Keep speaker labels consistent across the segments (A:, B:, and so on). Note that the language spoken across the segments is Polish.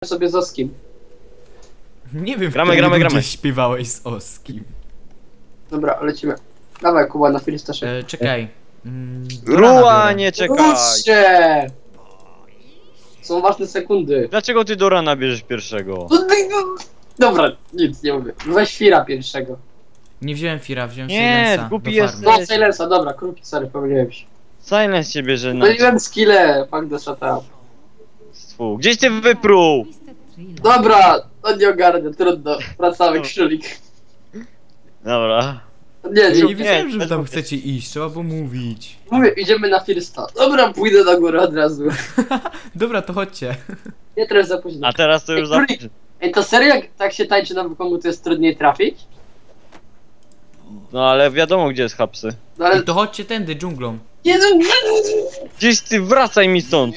A: sobie z Oskim.
B: Nie wiem,
C: Gramy.
B: gdzie śpiewałeś z Oskim.
A: Dobra, lecimy. Dawaj, Kuba, na Filistasze.
B: Czekaj.
C: Ruła, nie czekaj!
A: Ruszcie! Są ważne sekundy.
C: Dlaczego ty do rana bierzesz pierwszego?
A: Dobra, nic nie mówię. Weź Fira pierwszego.
B: Nie wziąłem Fira, wziąłem
C: Nie,
B: Silensa.
C: głupi
B: do
C: jest.
B: farmy.
A: No, Silensa, dobra, kruki, sorry, pomyliłem się.
C: Silence się bierze na
A: Myliłem skille, fuck the shut up.
C: stwu. Gdzieś ty wypruł?
A: Dobra, on nie ogarnia, trudno. Wracamy, królik.
C: Dobra.
A: Nie,
B: Ja
A: nie,
B: nie wiedziałem, że wy tam
C: nie.
B: chcecie iść, trzeba było mówić.
A: mówię, idziemy na Firsta. Dobra, pójdę na górę od razu.
B: Dobra, to chodźcie.
A: Nie, teraz za późno.
C: A teraz to już za...
A: Królik. Ej, to serio, jak tak się tańczy na wykomu, to jest trudniej trafić?
C: No ale wiadomo gdzie jest hapsy.
A: No ale...
B: I to chodźcie tędy, dżunglą.
A: Jezu!
C: Gdzieś ty wracaj mi stąd!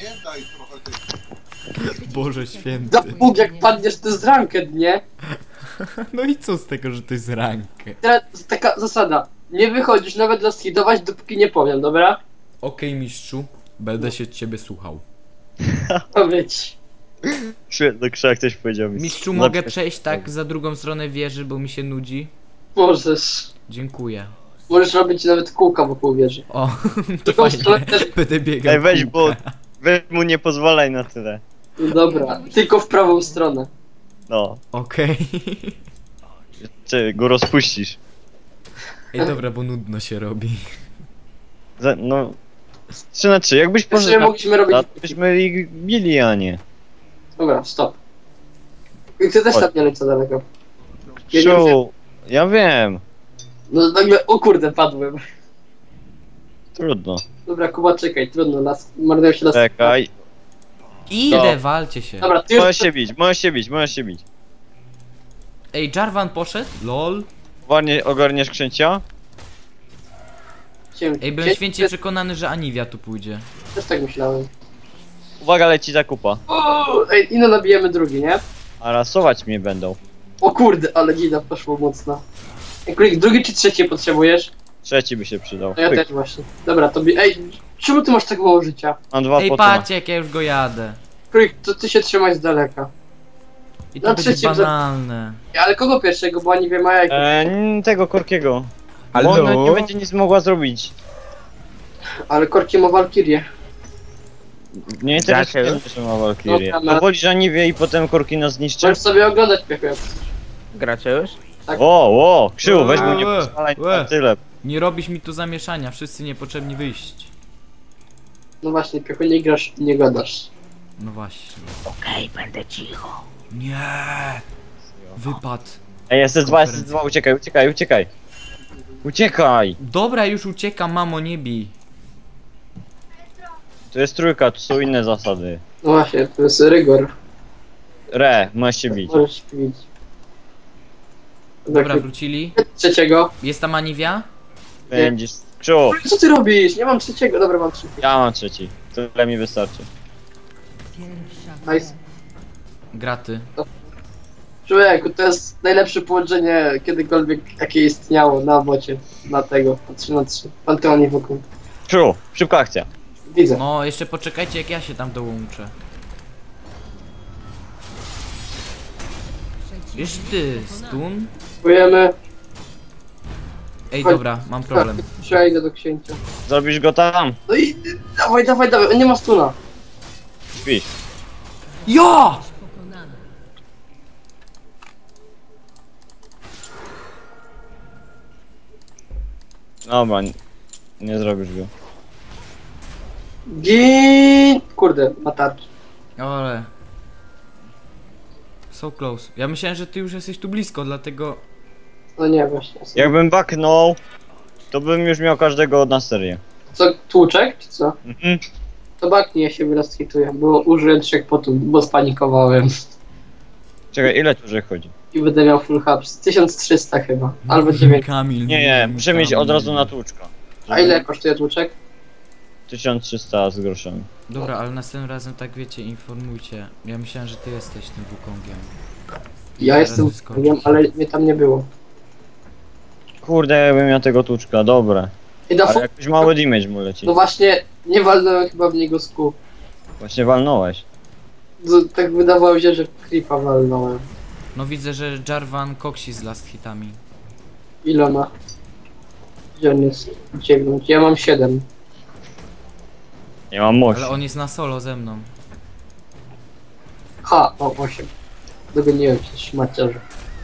B: Boże święty.
A: Da Bóg, jak padniesz, to jest ranked, nie?
B: No i co z tego, że to jest rankę?
A: Teraz taka zasada. Nie wychodzisz nawet rozhidować, dopóki nie powiem, dobra?
B: Okej, mistrzu. Będę się ciebie słuchał.
A: Powiedz.
C: Świetny krzak ktoś powiedział mi.
B: Mistrzu,
C: No,
B: mogę przejść tak za drugą stronę wieży, bo mi się nudzi?
A: Możesz.
B: Dziękuję.
A: Możesz robić nawet kółka wokół wieży.
B: O, to
A: Drugą stronę
B: fajnie.
A: też-
B: Będę biegał
C: Ej, weź,
B: kółka.
C: weź mu nie pozwalaj na tyle.
A: Dobra, tylko w prawą stronę.
C: No.
B: Okej.
C: Czy go rozpuścisz.
B: Ej, dobra, bo nudno się robi.
C: No... 3 na 3, jakbyś
A: Jeszcze
C: poszedł na
A: mogliśmy robić...
C: to byśmy ich bili, a nie.
A: Dobra, stop. I ty też
C: Chodź.
A: tam nie lecę daleko. Ja nie wiem.
C: Szu, ja wiem.
A: No nagle, o kurde, padłem.
C: Trudno.
A: Dobra, Kuba, czekaj, trudno, marnują się las.
C: Czekaj.
B: Idę,
C: No.
B: walcie się.
A: Dobra, ty już...
C: Możesz się bić.
B: Ej, Jarvan poszedł? Lol.
C: Ogarniesz księcia?
B: Ej, byłem święcie przekonany, że Aniwia tu pójdzie.
A: Też tak myślałem.
C: Uwaga, leci zakupa.
A: Ej, i no nabijemy drugi, nie?
C: A rasować mnie będą.
A: O kurde, ale gida poszło mocno. Ej, Kulik, drugi czy trzeci potrzebujesz?
C: Trzeci by się przydał.
A: No ja
C: Pyk.
A: też właśnie. Dobra, tobie... Ej, czemu ty masz tak mało życia?
C: Mam 2
B: Ej,
C: poty.
B: patrzcie, jak ja już go jadę.
A: Kulik, to ty się trzymaj z daleka.
B: I to
A: Na
B: będzie
A: trzecim
B: banalne.
A: Ale kogo pierwszego, bo ani wie ma jajko.
C: Tego Korkiego.
B: Halo?
C: Bo ona nie będzie nic mogła zrobić.
A: Ale Korki ma Walkirię.
C: Nie interesuje mnie, że ma Valkyrie.
A: Dobra,
C: To wolisz Aniwie i potem Korki nas zniszczy?
A: Możesz sobie oglądać piechu, jak chcesz.
D: Gracie już?
A: Tak.
C: O, Krzył, weź mu nie
B: Łe,
C: pozwalaj
B: łe.
C: na tyle.
B: Nie robisz mi tu zamieszania, wszyscy niepotrzebni wyjść.
A: No właśnie, piechu, nie grasz, nie gadasz.
B: No właśnie.
D: Okej, będę cicho.
B: Nie. Wypad.
C: Ej, SS2, uciekaj. Uciekaj!
B: Dobra, już uciekam, mamo, nie bij.
C: To jest trójka, tu są inne zasady.
A: No właśnie, to jest rygor.
C: Możesz się bić.
A: Możesz pić.
B: Dobra, wrócili.
A: Trzeciego.
B: Jest tam Aniwia?
C: Będziesz... Krzył,
A: Co ty robisz? Nie mam trzeciego. Dobra, mam trzeciego.
C: ja mam trzeci. Tyle mi wystarczy.
A: Nice.
B: Graty.
A: Człowieku, to jest najlepsze połączenie kiedykolwiek, jakie istniało na bocie. Na tego, na 3 na 3. Panteonie wokół.
C: Krzył, szybka akcja.
A: Widzę.
B: No, jeszcze poczekajcie, jak ja się tam dołączę. Wiesz ty, stun?
A: Próbujemy.
B: Ej, dobra, mam problem.
A: Przejdę do księcia.
C: Zrobisz go tam?
A: No i dawaj, on nie ma stuna.
C: Śpisz.
B: Ja!
C: Dobra, nie zrobisz go.
A: Gin! Kurde, ma tarcz.
B: Ale... So close. Ja myślałem, że ty już jesteś tu blisko, dlatego...
A: No nie, właśnie.
C: Jakbym baknął, to bym już miał każdego na serię.
A: Co, tłuczek, czy co?
C: Mhm.
A: To baknie, ja się wyrastwituję, bo użyłem 3 potów, bo spanikowałem.
C: Czekaj, ile tu że chodzi?
A: I będę miał full hubs. 1300 chyba, albo 9.
B: Kamil.
C: Nie, muszę mieć od razu na tłuczka.
A: A ile kosztuje tłuczek?
C: 1300 z groszami.
B: Dobra, ale następnym razem tak wiecie, informujcie. Ja myślałem, że ty jesteś tym Wukongiem.
A: Ja
B: Zaraz
A: jestem
B: wyskoczy.
A: wiem, ale mnie tam nie było.
C: Kurde, jakbym miał tego tłuczka, dobra.
A: I na
C: Ale jakiś mały damage mu leci.
A: No właśnie, nie walnąłem chyba w niego z kół.
C: Właśnie walnąłeś.
A: Tak wydawało się, że creepa walnąłem.
B: No widzę, że Jarvan koksi z last hitami.
A: Ile ma? Gdzie on jest? 9. Ja mam 7.
C: Nie mam mocy.
B: Ale on jest na solo ze mną.
A: Ha, o 8. Dogoniłem cię, szmaciarze.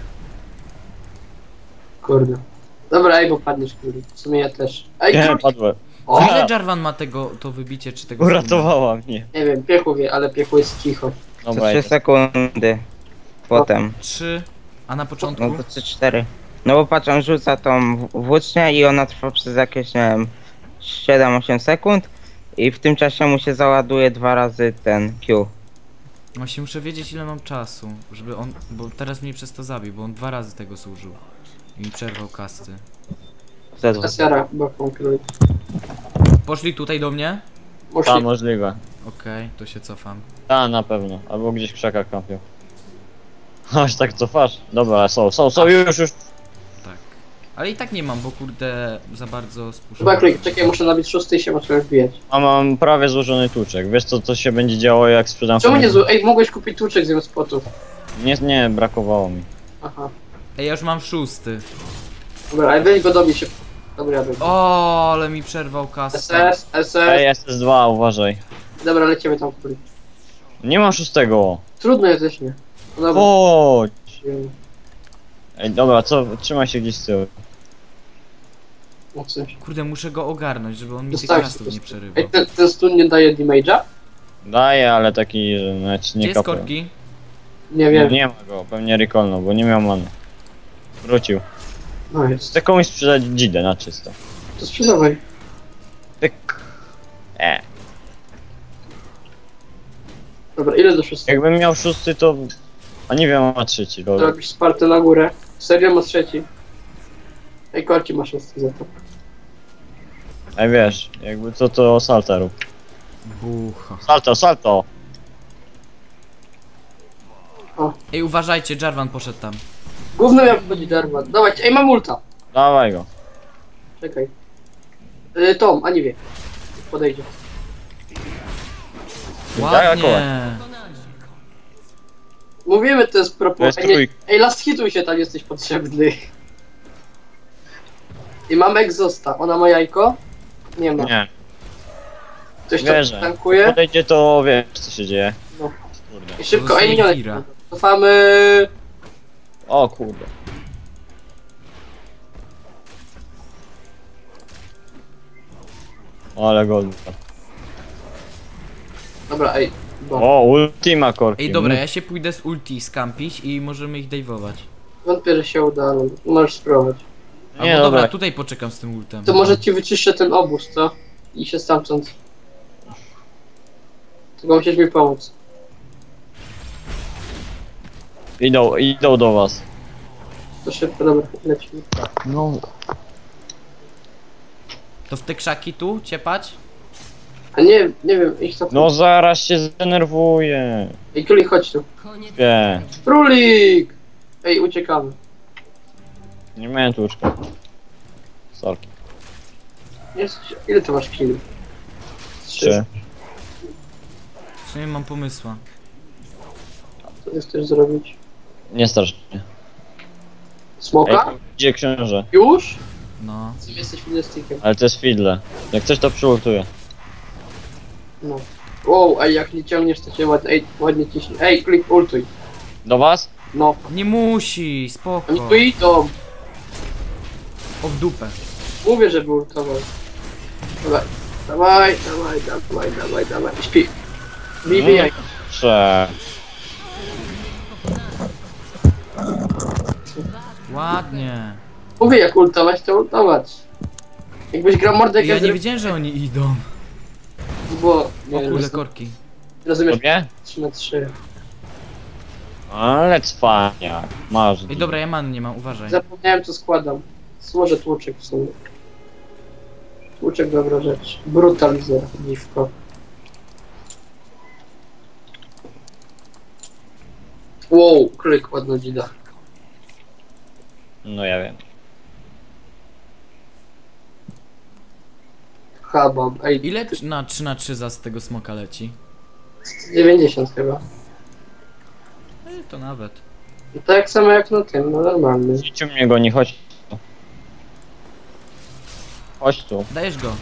A: Kurde. Dobra, ej, bo padniesz, kurde. W sumie ja też. Ej,
C: Nie,
A: kurde.
C: padłem.
A: O,
B: Za ile Jarvan ma to wybicie, czy tego stuna?
C: Uratowała mnie.
A: nie wiem, Piechu wie, ale Piechu jest cicho.
D: To
C: Dobra,
D: 3 sekundy. Potem.
B: 3, a na początku?
D: No to 3-4. No bo patrz, on rzuca tą włócznię i ona trwa przez jakieś, nie wiem, 7-8 sekund. I w tym czasie mu się załaduje 2 razy ten Q.
B: Właśnie muszę wiedzieć ile mam czasu, żeby on, bo teraz mnie przez to zabił, bo on 2 razy tego służył. I mi przerwał kasty.
D: Ze 2.
A: Kasiara chyba konkretnie.
B: Poszli tutaj do mnie?
C: Ta,
A: Możliwe.
C: możliwe.
B: Okej, to się cofam.
C: Ta, na pewno. Albo gdzieś w krzakach kampią. Aż tak cofasz? Dobra, są, już.
B: Tak. Ale i tak nie mam, bo kurde za bardzo
A: Chyba
B: spuszczam.
A: klik, czekaj, muszę nabić 6 i się muszę wbijać.
C: A mam prawie złożony tłuczek. Wiesz co się będzie działo jak sprzedam
A: Czemu nie
C: sobie-
A: zło? Ej, mogłeś kupić tłuczek zamiast spotów.
C: Nie, brakowało mi.
A: Aha.
B: Ej, ja już mam 6.
A: Dobra, ale weź go dobij się. Dobra, ja bym.
B: O, ale mi przerwał kasę.
A: SS.
C: Ej, SS2, uważaj.
A: Dobra, lecimy tam kuli.
C: Nie mam szóstego.
A: Trudno jest też nie. No dobra.
C: Chodź. Ej, dobra, trzymaj się gdzieś z tyłu.
A: No coś.
B: Kurde, muszę go ogarnąć, żeby on mi tych
A: Zostawcie
B: kastów nie
A: to.
B: przerywał.
A: Ej, ten stun nie daje damage'a?
C: Daję, ale taki, że nawet
B: Gdzie
C: nie
B: jest
C: kapał.
B: korki?
A: Nie wiem.
C: Nie ma go, pewnie recallnął, bo nie miał many. Wrócił.
A: No jest.
C: Chcę komuś sprzedać dzidę na czysto.
A: To sprzedawaj.
C: Tyk.
A: Dobra, ile do 6?
C: Jakbym miał szósty, to... A nie wiem, ma trzeci, dobra.
A: Zrobisz spartę na górę. Serio ma 3. Ej, korki ma 6 za to.
C: Ej, wiesz, jakby co to salta rób.
B: Bucha.
C: Salto!
B: Ej, uważajcie, Jarvan poszedł tam.
A: Gówno jak będzie Jarvan. Dawajcie, ej, mam ulta.
C: Dawaj go.
A: Czekaj. Tom, a nie wie. Podejdzie.
B: Ładnie.
A: Mówimy, to jest
C: To
A: propos.
C: jest
A: Ej, nie,
C: trójka.
A: ej, last hituj się, tam jesteś potrzebny. I mam egzosta. Ona ma jajko? Nie ma.
C: Nie,
A: Ktoś tam
C: wierzę.
A: tankuje?
C: Podejdzie to wiesz co się dzieje.
A: No.
C: Kurde.
A: I szybko,
B: Dostaje
A: ej, minionek.
B: Kira.
A: Cofamy.
C: O kurde. Ale golda.
A: Dobra, ej. Bo.
C: O, ultima korki.
B: Ej, dobra, ja się pójdę z ulti skampić i możemy ich dajwować.
A: Wątpię, że się uda, ale możesz spróbować.
B: Albo
C: Nie,
B: dobra,
C: dobra.
B: tutaj poczekam z tym ultem.
A: To może ci wyczyszczę ten obóz, co? I się stamtąd. Tylko musisz mi pomóc.
C: Idą do was.
A: To szybko, dobra, lecimy.
C: No.
B: To w te krzaki tu ciepać?
A: A nie wiem, ich to.
C: No zaraz się zdenerwuję.
A: Ej, Królik, chodź tu.
C: Nie,
A: Królik! Ej, uciekamy.
C: nie miałem tłuczka. Sorki.
A: Jest, ile ty masz kili?
C: 3.
B: W sumie mam pomysła.
A: Co ty chcesz zrobić?
C: Nie strasz mnie.
A: Smoka?
C: Ej, gdzie książę?
A: Już?
B: No.
A: Ty jesteś fiddlestickiem.
C: Ale to jest fiddle. Jak coś to przyultuję.
A: No. Wow, ej, jak nie ciągniesz, to cię ładnie, ej, ładnie ciśnie. Ej, Królik, ultuj.
C: Do was?
A: No.
B: Nie musi, spoko.
A: Oni tu idą.
B: O w dupę.
A: Mówię, żeby ultował. Dawaj. Dawaj. Śpi. Bijaj.
C: Prze.
B: Ładnie.
A: Mówię, jak ultować, to ultować. Jakbyś grał Mordek,
B: Ja nie wiedziałem, że oni idą.
A: Bo...
B: O
A: Nie,
B: kurde, korki.
A: rozumiesz?
C: Tobie?
A: 3/3.
C: Ale cwaniak. Masz.
B: Ej, dobra, ja man nie mam, uważaj.
A: Zapomniałem, co składam. Złożę tłuczek w sumie. Tłuczek, dobra rzecz. Brutalizer, dziwko. Wow, Królik, ładna dzida.
C: No ja wiem.
A: Habam, ej,
B: Ile na 3 za z tego smoka leci?
A: 90 chyba.
B: to nawet.
A: I tak samo jak na tym, no normalny.
C: Idźcie mnie goni, chodź tu. Chodź tu.
B: Dajesz go.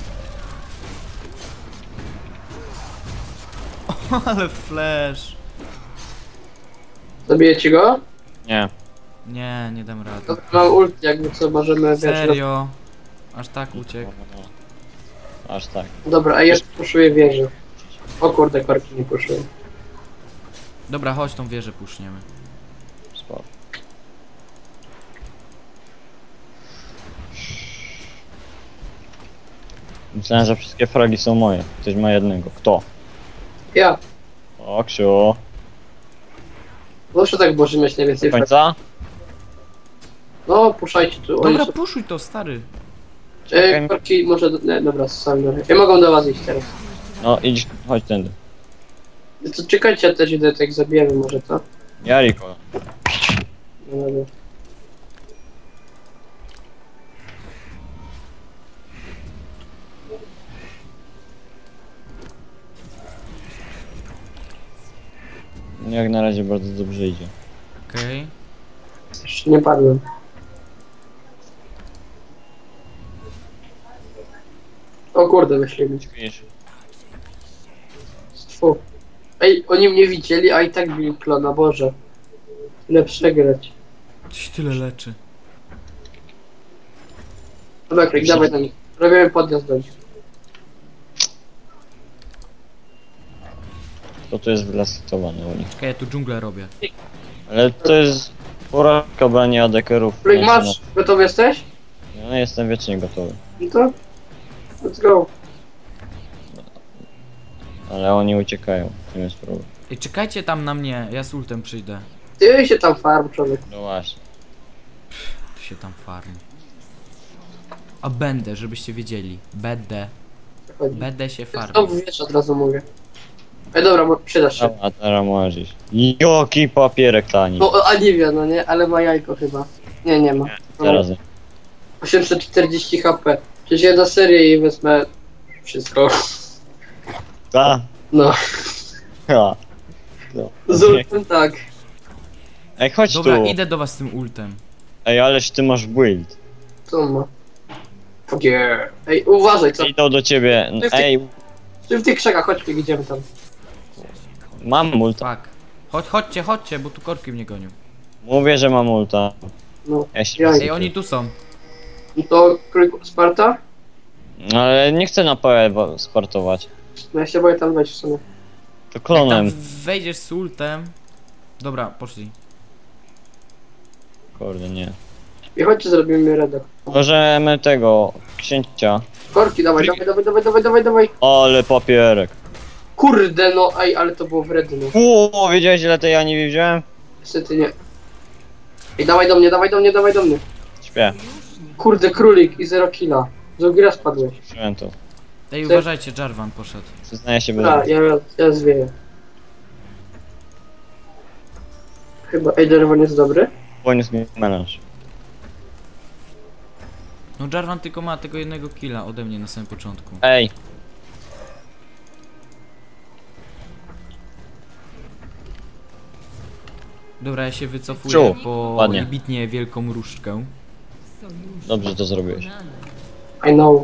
B: O, ale flash.
A: Zabijecie go?
C: Nie.
B: Nie, nie dam rady.
A: To mam ult, jakby co możemy, wiesz...
B: Serio? Aż tak uciekł.
C: Aż tak.
A: Dobra, a ja puszuję wieżę. O kurde, korki nie puszuję.
B: Dobra, chodź tą wieżę puszniemy.
C: Spoko. Myślałem, że wszystkie fragi są moje. Ktoś ma jednego. Kto?
A: Ja.
C: O, Ksiu.
A: Zawsze tak Boże mieć
C: Do
A: najwięcej frag.
C: końca?
A: No, puszajcie tu. Oni
B: Dobra,
A: są...
B: puszuj to, stary.
A: korki może... Nie, dobra, sami. Ja mogą do was iść teraz.
C: No idź, chodź tędy.
A: To czekajcie, ja też idę, tak zabijemy może to.
C: Jariko.
A: No, dobra.
C: Jak na razie bardzo dobrze idzie.
B: Okej.
A: Jeszcze nie padłem. O kurde, wyślimy.
C: Widzisz?
A: Fu. Ej, oni mnie widzieli, a i tak bili klona, Boże. Tyle przegrać.
B: Coś tyle leczy.
A: Dobra, Krik, dawaj na nich. Robimy podjazd do nich.
C: To tu jest wylastowane u nich.
B: Czekaj, ja tu dżunglę robię.
C: Ale to jest porażka brania adekerów.
A: Krik, masz? Gotowy jesteś?
C: No jestem wiecznie gotowy.
A: No to? Let's go.
C: Ale oni uciekają. To jest problem.
B: Ej, czekajcie tam na mnie, ja z ultem przyjdę.
A: Ty się tam farm, człowiek.
C: No właśnie.
B: Tu się tam farmi. A będę, żebyście wiedzieli. Będę.
A: Chodzi.
B: Będę się farmił.
A: To wiesz, od razu mówię. Ej, dobra, bo przydasz się.
C: A teraz możesz iść. Joki papierek tani.
A: No, Aniwia, no nie? Ale ma jajko chyba. Nie, nie ma.
C: Teraz.
A: 840 HP. Przecież ja na serię i wezmę wszystko.
C: Ta.
A: No.
C: Ha. No.
A: Z ultem tak.
C: Ej, chodź
B: Dobra,
C: tu.
B: idę do was z tym ultem.
C: Ej, ależ ty masz build.
A: Co on ma? Yeah. Ej, uważaj, co?
C: Idą do ciebie. Ej,
A: Ty w tych krzakach, chodźmy, idziemy tam.
C: mam multa.
B: Tak. Chodźcie, bo tu korki mnie gonią.
C: Mówię, że mam multa.
A: No.
C: Ja się
A: Ej,
B: Ej, oni tu są.
A: I to Sparta?
C: Ale nie chcę na PE sportować.
A: No ja się boję tam wejść w sumie.
C: To
B: Jak tam
C: klonem.
B: wejdziesz z ultem. Dobra, poszli.
C: Kurde, nie.
A: I chodźcie, zrobimy redek.
C: Możemy tego księcia.
A: Korki, dawaj, dawaj.
C: Ale papierek.
A: Kurde, no, ej, ale to było wredne.
C: O, wiedziałeś ile tej Ani wziąłem?
A: Niestety nie. Ej, dawaj do mnie.
C: Śpię.
A: Kurde, królik i 0 killa. Z ogira spadłeś.
C: Wziąłem to.
B: Ej, uważajcie, Jarvan poszedł.
C: Przyznaję się bez.
A: A, ja zwieję. Chyba Jarvan jest dobry.
C: Poniósł mi melanż.
B: No Jarvan tylko ma tego jednego killa ode mnie na samym początku.
C: Ej,
B: Dobra, ja się wycofuję
C: Ciu,
B: po
C: ładnie.
B: bitnie wielką różdżkę.
C: dobrze to zrobiłeś.
A: I know.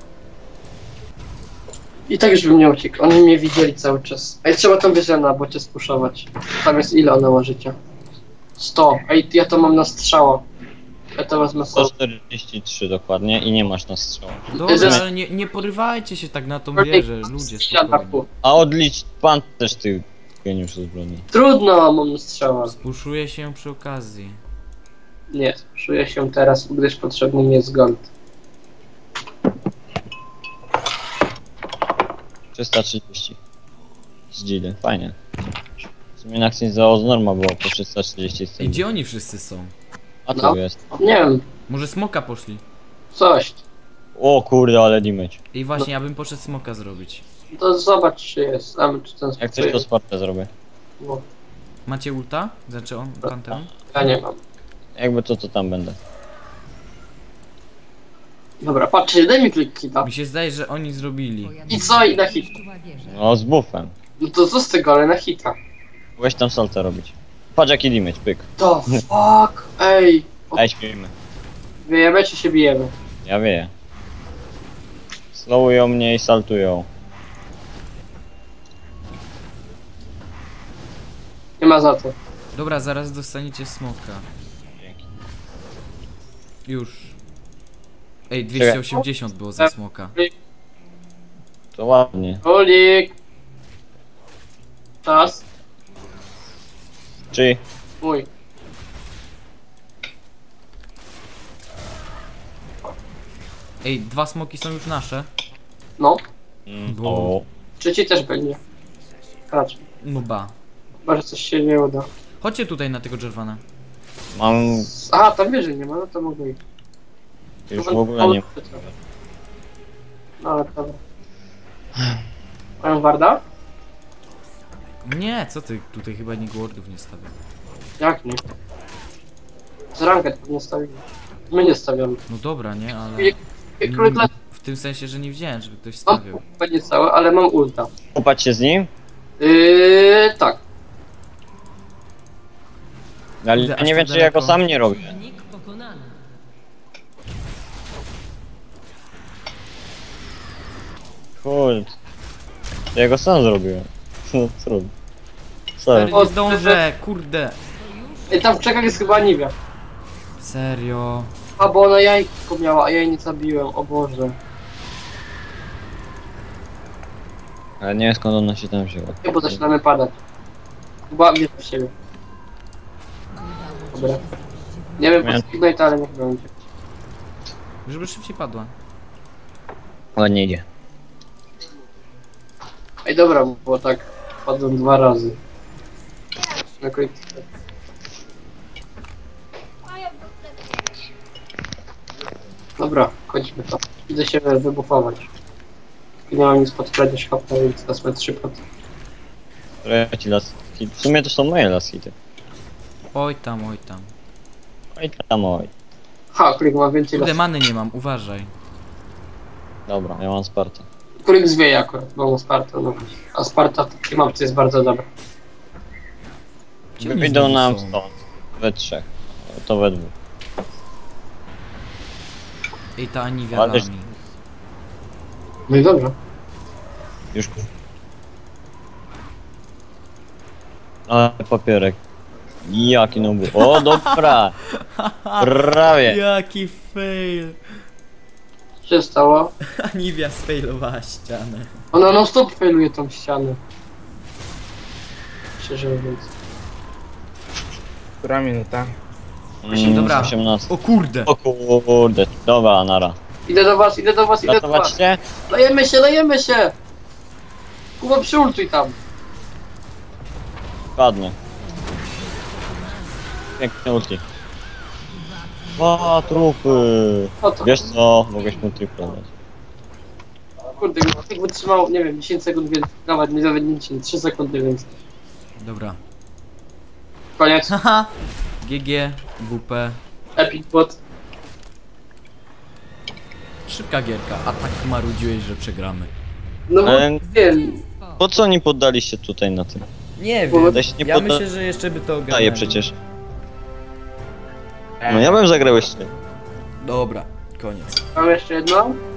A: I tak już bym nie uciekł. Oni mnie widzieli cały czas. Ej, trzeba tą wieżę na bocie spuszować. Tam jest ile ona ma życia? 100. Ej, ja to mam na strzała. Ja to wezmę sobie.
C: 143 dokładnie i nie masz na strzał.
B: Dobra,
A: Jeżeli-
B: ale nie porywajcie się tak na tą wieżę, ludzie, spokojnie.
A: Ataku.
C: A odlicz pan też ty geniusz zbrojny.
A: Trudno, mam na strzała.
B: Spuszuję się przy okazji.
A: Nie, czuję się teraz, gdyż potrzebny mi jest gold.
C: 330. Z Gilly, fajnie. W sumie na akcji za Oznorma było po 330
B: Ej,
C: scen.
B: gdzie oni wszyscy są?
C: A tu
A: No.
C: jest.
A: Nie wiem,
B: Może smoka poszli?
A: coś.
C: O kurde, ale damage.
B: I właśnie, ja bym poszedł smoka zrobić.
A: To zobacz, czy jest. A my czy ten
C: Jak coś to Spartę zrobię.
A: No,
B: Macie ulta? Znaczy on, Panteon?
A: ja nie mam.
C: Jakby to tam będę.
A: Dobra, patrzcie, daj mi klik hita.
B: Mi się zdaje, że oni zrobili.
A: I co? I na hit.
C: No z buffem.
A: No to co z tego, ale na hita.
C: Weź tam salta robić. Patrz jaki damage, pyk.
A: To fuck, ej.
C: Daj śpimy.
A: Wiejemy czy się bijemy?
C: Ja wieję. Slowują mnie i saltują.
A: Nie ma za to.
B: Dobra, zaraz dostaniecie smoka.
C: Dzięki.
B: Już. Ej, 280 było za smoka.
C: To ładnie.
A: Kulik. Czas.
C: Czy
A: Mój.
B: Ej, 2 smoki są już nasze.
A: No.
C: o,
A: Trzeci też będzie. Raczej.
B: No ba.
A: Chyba, że coś się nie uda.
B: Chodźcie tutaj na tego Jervana.
C: mam
A: Aha, tam wyżej nie ma, no to mogę iść.
C: już w ogóle nie.
A: No ale dobra. Mają Warda?
B: Nie, co ty? Tutaj chyba nikt wardów nie stawia.
A: Jak nie? Z ranket pewnie stawimy. My nie stawiamy.
B: No dobra, nie, ale...
A: Królik
B: W tym sensie, że nie widziałem, żeby ktoś
A: mam
B: stawiał.
A: będzie całe, ale mam ulta.
C: Kopać się z nim?
A: Tak.
C: Ale
B: Kurde,
C: ja
B: aż
C: nie wiem
B: tak
C: czy ja go
B: daleko.
C: sam nie robię.
E: Przeciwnik pokonany.
C: Kurde. To ja go sam zrobiłem. No trudno. Sorry.
B: Nie zdążę, kurde.
A: Ej, tam w czekach jest chyba Aniwia.
B: Serio.
A: A bo ona jajko miała, a ja jej nie zabiłem, o Boże.
C: Ale nie wiem skąd ona się tam wzięła.
A: Nie, bo zaczynamy padać. Chyba mnie w siebie. Dobra. Nie wiem,
C: Miałem-
A: po co Ignite, ale niech będzie.
B: Żeby szybciej padła.
C: Ładnie idzie.
A: Ej, dobra, bo tak padłem 2 razy. Na końcu. Dobra, chodźmy to. Idę się wybufować. Nie mam nic pod kradzież HP, więc wezmę 3 pod.
C: Ja ci las hit. W sumie to są moje las hity.
B: Oj tam, oj tam.
C: Oj tam oj.
A: Ha, Kulik ma więcej
B: Kurde,
A: las.
B: many nie mam, uważaj.
C: Dobra, ja mam Spartę.
A: Kulik zwieje akurat, bo mam Spartę, no. A Sparta w takiej mapce jest bardzo dobra.
B: Gdzie oni
C: Wyjdą
B: znowu
C: nam
B: są?
C: stąd. We trzech. To we dwóch.
B: Ej, ta Aniwia
C: Ale-
B: da mi.
A: No i dobrze.
C: Już. Ale papierek. Jaki no był. O dobra! Prawie!
B: Jaki fail.
A: Co się stało?
B: Aniwia sfailowała ścianę.
A: Ona non stop failuje tą ścianę. Szczerze mówiąc.
D: Która minuta?
B: Dobra.
C: 18.
B: O kurde.
C: O kurde. Dobra, nara.
A: Idę do was, idę do was, idę do
C: Ratować
A: was.
C: cię?
A: Lejemy się, lejemy się! Kuba, przyultuj tam.
C: Padnę. Pięknie ulti. 2 trupy.
A: O to.
C: Wiesz co? Mogłeś mu tripla dać.
A: Kurde, jak wytrzymał, nie wiem, 10 sekund więcej. Nawet nie 10, 3 sekundy więcej.
B: Dobra.
A: Koniec.
B: Haha. GG, WP.
A: Epic bot.
B: Szybka gierka, a tak marudziłeś, że przegramy.
A: No bo
C: Ale
A: wiem.
C: po co nie poddaliście tutaj na tym?
B: Nie
A: wiem.
C: Da się nie
B: Ja
C: podda-
B: myślę, że jeszcze by to
C: Daje
B: ogarnęli.
C: przecież. No ja bym zagrał jeszcze.
B: Dobra, koniec.
A: Mam jeszcze jedno.